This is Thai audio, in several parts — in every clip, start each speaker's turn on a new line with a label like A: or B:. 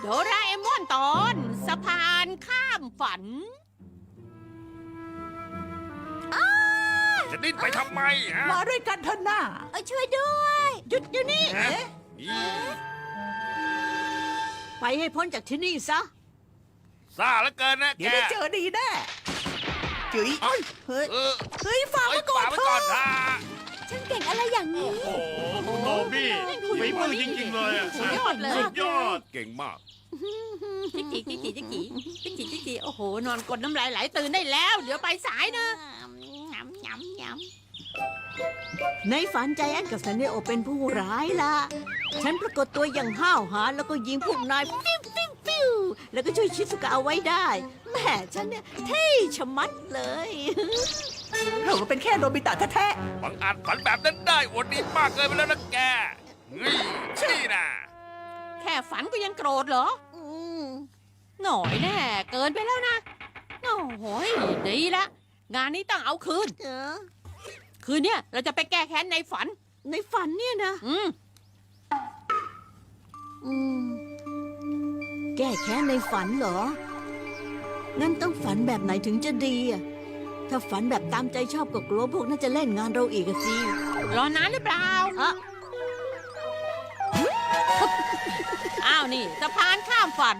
A: โดราเอมอนตอนสะพานข้ามฝัน
B: จะดิ้นไปทำไมฮะ
C: มาด้วยกันเถอะหน้า
D: ช่วยด้วย
A: หยุดอยู่นี่
B: ฮะนี่
A: ไปให้พ้นจากที่นี่ซะ
B: ซ่าเหลือเกินนะ
C: เดี๋
B: แก
C: ยวได้เจอดีแน่จุ๋ยเฮ้ย
B: เออ
C: เฮ้ยฝาก
B: เอ้
C: ไว้
B: ย
C: ก่อ
B: ฝาน กไว้
C: เถ
B: ก่อ
C: อะ
B: นท่า
D: ฉันเก่งอะไรอย่างนี้
E: โอ้โหคุณโนบี้ฝีมือจริงๆเลยอ่ะ
A: สุดยอดเลย
E: สุดยอด
B: เก่งมาก
A: จิกจิกจิกจิกจิกจิกจิกจิกจิกจิกโอ้โห นอนกดน้ำลายไหลตื่นได้แล้ว เดี๋ยวไปสายนะ ในฝันใจแอนกับซันเนโอเป็นผู้ร้ายล่ะ ฉันปรากฏตัวอย่างห้าวหาญแล้วก็ยิงพวกนายฟิวฟิวฟิวแล้วก็ช่วยชิสุกะเอาไว้ได้แหม่ฉันเนี่ยเท่ชะมัดเลย
C: เราก็เป็นแค่โนบิตะแท้
B: บังอาจฝันแบบนั้นได้อวดดีมากเกินไปแล้วนะแกนี่นี่นะ
A: แค่ฝันก็ยังโกรธเหรอ หน่อยแน่เกินไปแล้วนะโอ้โหดีละงานนี้ต้องเอาคืน คืนเนี้ยเราจะไปแก้แค้นในฝัน ในฝันเนี่ยนะ แก้แค้นในฝันเหรอ งั้นต้องฝันแบบไหนถึงจะดีอะถ้าฝันแบบตามใจชอบก็กลัวพวกน่าจะเล่นงานเราอีกอะสิ รอนานหรือเปล่าอ้าวนี่สะพานข้ามฝัน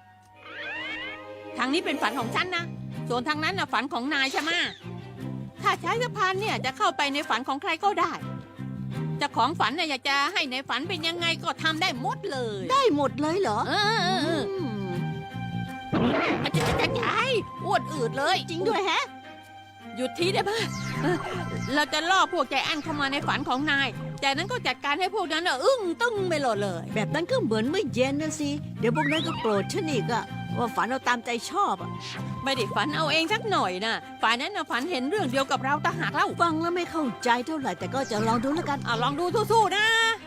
A: ทางนี้เป็นฝันของฉันนะ ส่วนทางนั้นน่ะฝันของนายใช่ไหมถ้าใช้สะพานเนี่ยจะเข้าไปในฝันของใครก็ได้เจ้าของฝันน่ะอยากจะให้ในฝันเป็นยังไงก็ทำได้หมดเลย ได้หมดเลยเหรออาจจะอ้วนอืดเลย จริงด้วยแฮะ หยุดทีได้ไหมเราจะล่อพวกใจแอนเข้ามาในฝันของนาย จากนั้นก็จัดการให้พวกนั้นอึ้งตึ้งไปหมดเลย แบบนั้นก็เหมือนไม่เย็นนะสิ เดี๋ยวพวกนั้นก็โกรธฉันอีกอะว่าฝันเอาตามใจชอบอะไม่ได้ฝันเอาเองสักหน่อยนะฝ่ายนั้นน่ะฝันเห็นเรื่องเดียวกับเราต่างหากเล่าฟังแล้วไม่เข้าใจเท่าไหร่แต่ก็จะลองดูแล้วกันลองดูสู้ๆนะ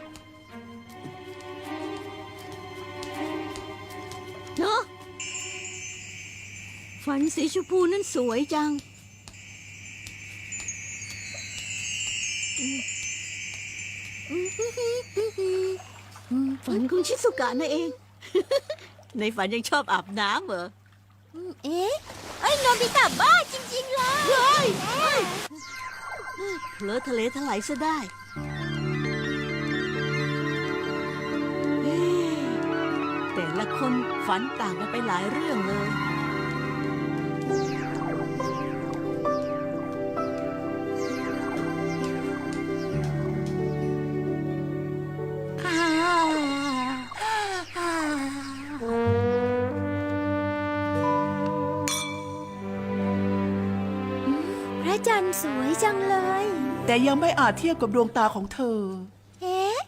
A: เนาะฝันสีชมพูนั้นสวยจังฝันของชิสุกะนั่นเอง ในฝันยังชอบอาบน้ำเหรอ
D: เอ๊ะโนบิตะบ้าจริงๆเลย
A: เผลอทะเลถลายซะได้เอ๊ะแต่ละคนฝันต่างกันไปหลายเรื่องเลย
D: พระจันทร์สวยจังเลย
C: ๆแต่ยังไม่อาจเทียบกับดวงตาของเธอ
D: เอ๊ะ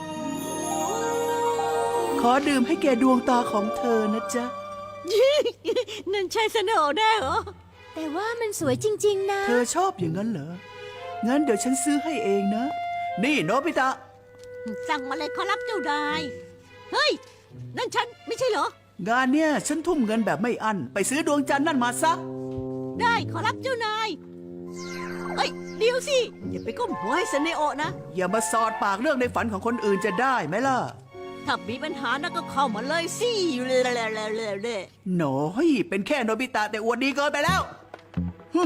C: ขอดื่มให้แกดวงตาของเธอนะจ๊ะ
A: นั่นใช่เสนอแน่เหรอ
D: แต่ว่ามันสวยจริงๆนะ
C: เธอชอบอย่างนั้นเหรอ งั้นเดี๋ยวฉันซื้อให้เองนะ นี่โนบิตะ
A: สั่งมาเลยขอรับเจ้านาย เฮ้ย นั่นฉันไม่ใช่เหรอ
C: งานเนี่ยฉันทุ่มเงินแบบไม่อั้นไปซื้อดวงจันทร์นั่นมาซะ
A: ได้ขอรับเจ้านาย เฮ้ย เดี๋ยวสิ อย่าไปก้มหัวให้เสนโอะนะ
C: อย่ามาสอดปากเรื่องในฝันของคนอื่นจะได้ไหมล่ะ
A: ถ้ามีปัญหานะก็เข้ามาเลยสิเลย
C: หนอยเป็นแค่โนบิตะแต่อวดดีเกินไปแล้วฮึ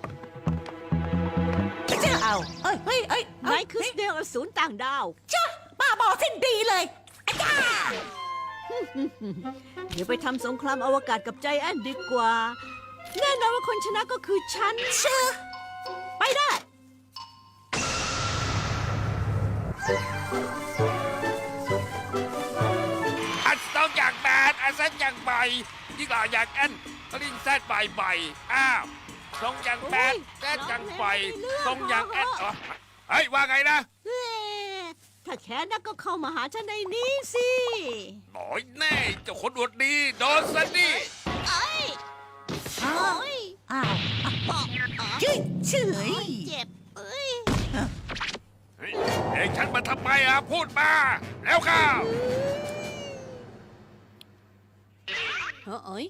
C: จะเอาเอ้ย
A: นายคือเดลอสูรต่างดาว
C: ป้าบอกสิ้นดีเลย
A: เดี๋ยวไปทำสงครามอวกาศกับใจแอนดีกว่า แน่นอนว่าคนชนะก็คือฉันเชื่อไปได้
B: อันต้องอย่างแบดอันเส้นอย่างใบยิ่งหล่ออย่างแอนลิงแซดใบใบอ้าวทรงอย่างแบดแซดอย่างใบทรงอย่างแอนเฮ้ยว่าไงนะ
A: ถ้าแค้นนักก็เข้ามาหาฉันในนี้สิ
B: หน่อยแน่เจ้าคนอวดดีโดนซะดิ
A: โอ้ย
C: อ้าวเฉย
A: เจ็บเอ้ย
B: เฮ้ยเองฉันมาทำไมอ่ะพูดมาแล้วข้าว
A: เอ้ย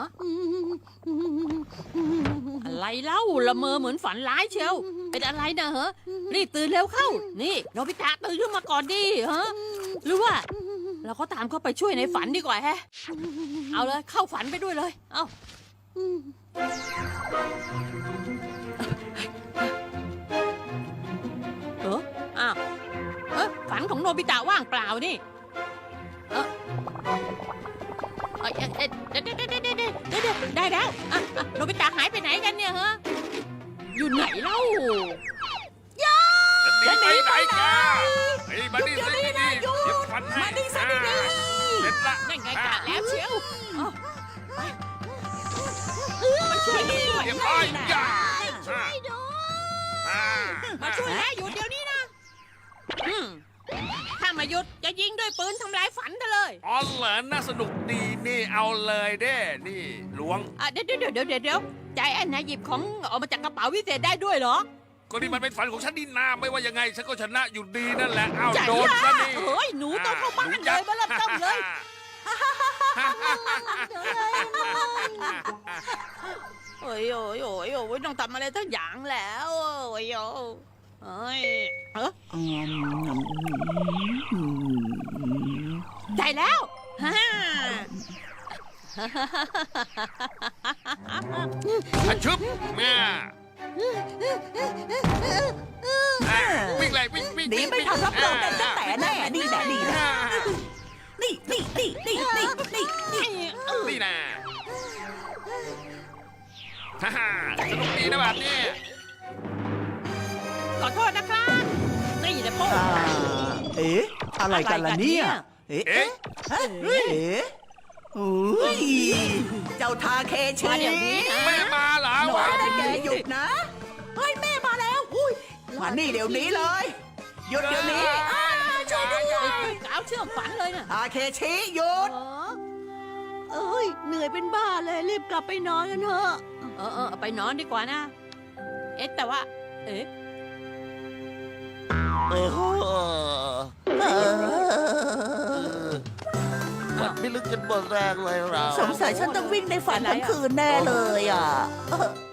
A: อะไรเล่าละเมอเหมือนฝันร้ายเชียวเป็นอะไรนะเหรอรีบตื่นเร็วเข้า นี่โนบิตะตื่นขึ้นมาก่อนดิฮะหรือว่าเราก็ตามเข้าไปช่วยในฝันดีกว่าแฮะ เอาเลยเข้าฝันไปด้วยเลย เอาอ้าวฝันของโนบิตะว่างเปล่านี่เดี๋ยวได้แล้วโนบิตะหายไปไหนกันเนี่ยฮะ อยู่ไหนเล่า
B: จะหนีไปไหนกันไอ้บันนี่สินี่เดี๋ยวฟันให้เสร็จละ
A: นั่นไงกะแล้วเชียวมาช่วยด้วย
B: เรียบร้อยอย่า
A: มาช่วยแล้วหยุดเดี๋ยวนี้นะถ้ามาหยุดจะยิงด้วยปืนทำลายฝันเธอเลย
B: อ๋อเหรอน่าสนุกดีนี่เอาเลยเด้นี่ล้วง
A: เดี๋ยวใจแอนนะหยิบของออกมาจากกระเป๋าวิเศษได้ด้วยเหรอ
B: ก็นี่มันเป็นฝันของฉันนี่นาไม่ว่ายังไงฉันก็ชนะอยู่ดีนั่นแหละเอา
A: ใจ
B: โดนซะนี่
A: เฮ้ยหนูต้องเข้าบ้านเลยมาเริ่มต้นเลยโอ้ยต้องทำอะไรทั้งอย่างแล้วโอ้ยได้แล้ว
B: อะชึบแม่วิ่งเลยวิ่ง
C: หนีไม่ทันรับรองกันจะแต่แน่นี่แหละนี่นะนี่
B: นะฮ่าสนุกดีนะแบบนี้
A: ขอโทษนะครับนี่แหละพ่อ
C: เอ๊ะอะไรกันล่ะเนี่ยเอ๊ะ
B: เอ๊ะ
C: อุ้ยเจ้าทาเคชิ
A: มาเดี๋ยวนี้นะ
B: แม่มาเหรอ
C: หน่อ
B: วะ
C: ยนะแกหยุดนะเฮ้ยแม่มาแล้วอุ้ยมานี่เดี๋ยวนี้เลยหยุดเดี๋ยวนี้
A: ช่วยด้วยกาวเชื่อมฝันเลยนะ
C: ทาเคชิหยุด
D: เอ้ยเหนื่อยเป็นบ้าเลยรีบกลับไปนอนกันเถอะ
A: ไปนอนดีกว่านะ แต่ว่า
F: มันไม่ลึกจนหมดแรงเลยเรา
D: สงสัยฉันต้องวิ่งในฝันทั้งคืนแน่เลยอ่ะ